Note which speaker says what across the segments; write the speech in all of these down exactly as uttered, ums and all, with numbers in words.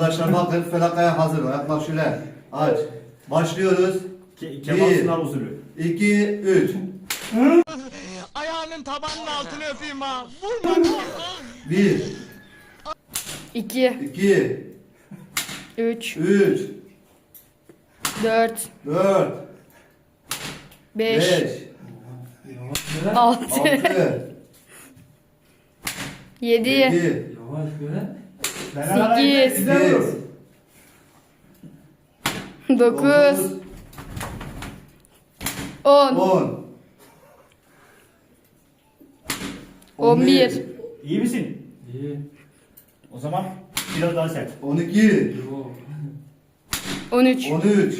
Speaker 1: arkadaşlar bakın felakaya hazır. Ayaklar şöyle. Aç. Başlıyoruz.
Speaker 2: Ke Kemal Sunal usulü.
Speaker 1: iki, üç.
Speaker 3: Ayağının tabanının altını öpeyim ha. Vurma.
Speaker 1: bir,
Speaker 4: iki,
Speaker 1: iki,
Speaker 4: üç,
Speaker 1: üç,
Speaker 4: dört,
Speaker 1: dört,
Speaker 4: beş,
Speaker 1: beş,
Speaker 4: altı,
Speaker 1: altı,
Speaker 4: yedi,
Speaker 1: yedi,
Speaker 5: Yavaş böyle.
Speaker 4: sekiz,
Speaker 1: sekiz,
Speaker 4: dokuz, on,
Speaker 1: on,
Speaker 4: on bir,
Speaker 2: İyi misin?
Speaker 5: İyi.
Speaker 2: O zaman biraz daha sert.
Speaker 1: on iki,
Speaker 5: Yok.
Speaker 4: on üç,
Speaker 1: on üç.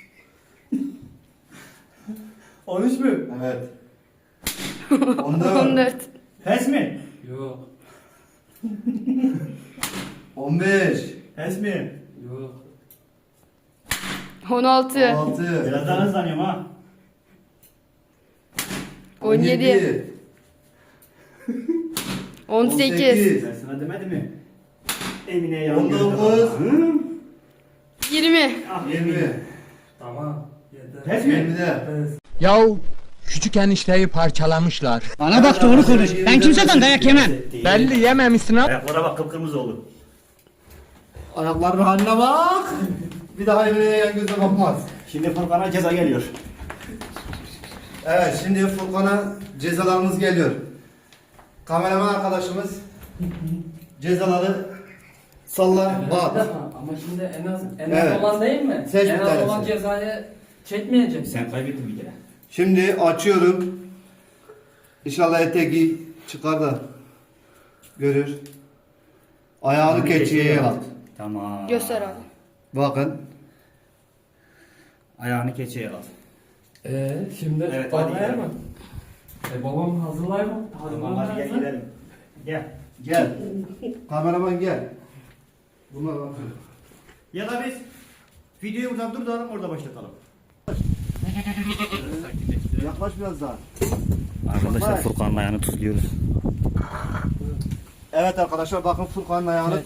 Speaker 2: on üç mü?
Speaker 1: Evet. on dört,
Speaker 4: on dört,
Speaker 2: Pes mi?
Speaker 5: Yok.
Speaker 1: on beş,
Speaker 2: Pes mi?
Speaker 5: Yok.
Speaker 4: on altı,
Speaker 1: on altı,
Speaker 2: Biraz daha hızlanıyorum ha.
Speaker 4: on yedi, on sekiz,
Speaker 2: Ben sana demedim mi? Emine'ye
Speaker 1: on
Speaker 2: yan
Speaker 1: dokuz,
Speaker 4: yirmi,
Speaker 2: Ah,
Speaker 1: yirmi,
Speaker 5: Tamam. Yeter.
Speaker 2: Pes mi?
Speaker 1: yirmide.
Speaker 5: Pes.
Speaker 6: Yahu küçük enişteyi parçalamışlar.
Speaker 7: Bana bak doğru konuş. Ben kimseden dayak yemem.
Speaker 6: Belli yememişsin ha.
Speaker 2: Ayaklara bak kıpkırmızı oldu.
Speaker 1: Ayaklarının haline bak. Bir daha Emine'ye yan gözle bakmaz.
Speaker 2: Şimdi Furkan'a ceza geliyor.
Speaker 1: Evet, şimdi Furkan'a cezalarımız geliyor. Kameraman arkadaşımız cezaları salla,
Speaker 5: Bir
Speaker 1: bak.
Speaker 5: dakika, ama şimdi en az en az
Speaker 1: Evet.
Speaker 5: olan değil mi?
Speaker 1: Seç bir
Speaker 5: en az
Speaker 1: tanesi.
Speaker 5: olan cezayı çekmeyecek.
Speaker 2: Sen kaybettin bir kere.
Speaker 1: Şimdi açıyorum. İnşallah eteki çıkar da görür. Ayağını keçiye at.
Speaker 2: Tamam.
Speaker 4: göster abi.
Speaker 1: Bakın.
Speaker 2: Ayağını keçiye al.
Speaker 5: Ee, şimdi
Speaker 2: Evet, hadi
Speaker 5: babaya
Speaker 2: gidelim.
Speaker 5: mı? E babam hazırlar mı?
Speaker 2: Tamam hadi gel gidelim. Gel.
Speaker 1: Gel. Kameraman gel. Bunlar bakın.
Speaker 2: Ya da biz videoyu buradan durduralım orada başlatalım.
Speaker 1: Yaklaş biraz daha.
Speaker 2: Arkadaşlar Furkan'ın ayağını tuzluyoruz.
Speaker 1: Evet arkadaşlar bakın Furkan'ın ayağını